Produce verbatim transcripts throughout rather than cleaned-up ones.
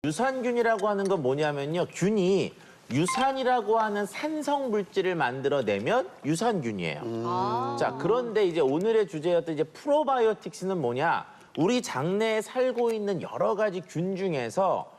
유산균이라고 하는 건 뭐냐면요. 균이 유산이라고 하는 산성 물질을 만들어내면 유산균이에요. 아. 자, 그런데 이제 오늘의 주제였던 이제 프로바이오틱스는 뭐냐? 우리 장내에 살고 있는 여러 가지 균 중에서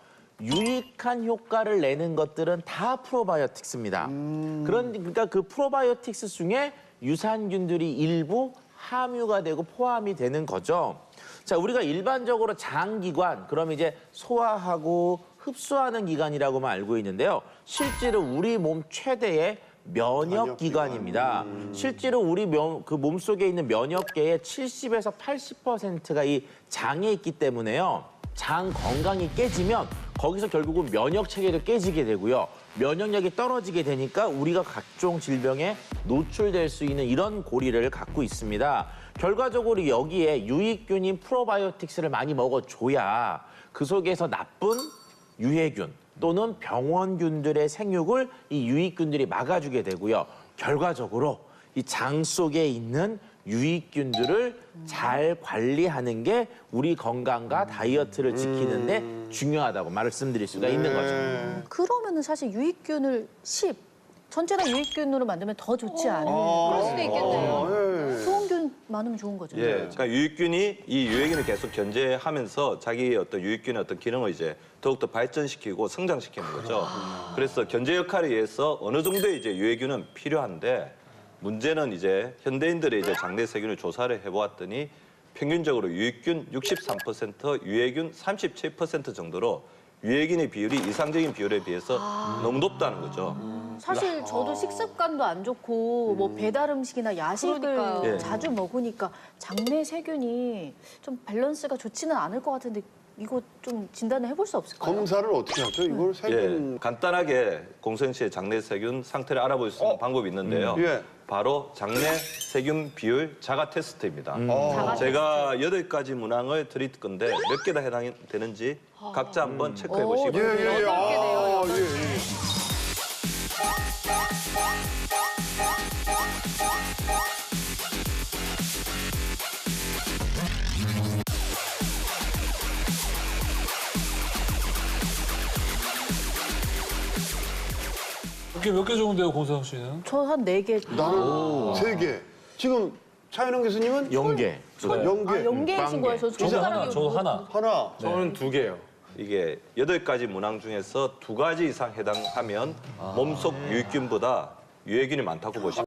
유익한 효과를 내는 것들은 다 프로바이오틱스입니다. 음. 그런 그러니까 그 프로바이오틱스 중에 유산균들이 일부 함유가 되고 포함이 되는 거죠. 자, 우리가 일반적으로 장기관, 그럼 이제 소화하고 흡수하는 기관이라고만 알고 있는데요. 실제로 우리 몸 최대의 면역 기관입니다. 음. 실제로 우리 면, 그 몸속에 있는 면역계의 칠십에서 팔십 퍼센트가 이 장에 있기 때문에요. 장 건강이 깨지면 거기서 결국은 면역 체계도 깨지게 되고요. 면역력이 떨어지게 되니까 우리가 각종 질병에 노출될 수 있는 이런 고리를 갖고 있습니다. 결과적으로 여기에 유익균인 프로바이오틱스를 많이 먹어줘야 그 속에서 나쁜 유해균 또는 병원균들의 생육을 이 유익균들이 막아주게 되고요. 결과적으로 이 장 속에 있는 유익균들을 잘 관리하는 게 우리 건강과 다이어트를 지키는데 중요하다고 말씀드릴 수가 있는 거죠. 그러면은 사실 유익균을 십, 전체 다 유익균으로 만들면 더 좋지 않은. 그럴 수도 있겠네요. 좋은 균 많으면 좋은 거죠. 예, 그러니까 유익균이 이 유해균을 계속 견제하면서 자기의 어떤 유익균의 어떤 기능을 이제 더욱더 발전시키고 성장시키는 거죠. 그래서 견제 역할에 의해서 어느 정도의 이제 유해균은 필요한데 문제는 이제 현대인들의 이제 장내 세균을 조사를 해보았더니 평균적으로 유익균 육십삼 퍼센트, 유해균 삼십칠 퍼센트 정도로 유해균의 비율이 이상적인 비율에 비해서 아... 너무 높다는 거죠. 사실 저도 식습관도 안 좋고 뭐 배달 음식이나 야식을 그러니까요. 자주 먹으니까 장내 세균이 좀 밸런스가 좋지는 않을 것 같은데 이거 좀 진단을 해볼 수 없을까요? 검사를 어떻게 하죠? 이걸 세균... 예, 간단하게 공소영 씨의 장내 세균 상태를 알아볼 수 있는 어? 방법이 있는데요. 음, 예. 바로 장내 세균 비율 자가 테스트입니다. 음. 자가 제가 여덟 가지 문항을 드릴 건데 몇 개 다 해당되는지 각자 한번 체크해 보시기 예, 바랍니다. 예, 예. 여덟 개네요, 아, 여덟 예, 개. 예. 몇개 몇 개 좋은데요, 공서영 씨는? 저 한 네 개. 나는 세 개. 지금 차현영 교수님은 연계. 연계. 아, 연계이신 거예요? 저 저도 하나, 손가락이 저도 하나. 하나. 저는 두 개요. 이게 여덟 가지 문항 중에서 두 가지 이상 해당하면 몸속 유익균보다 유해균이 많다고 보시면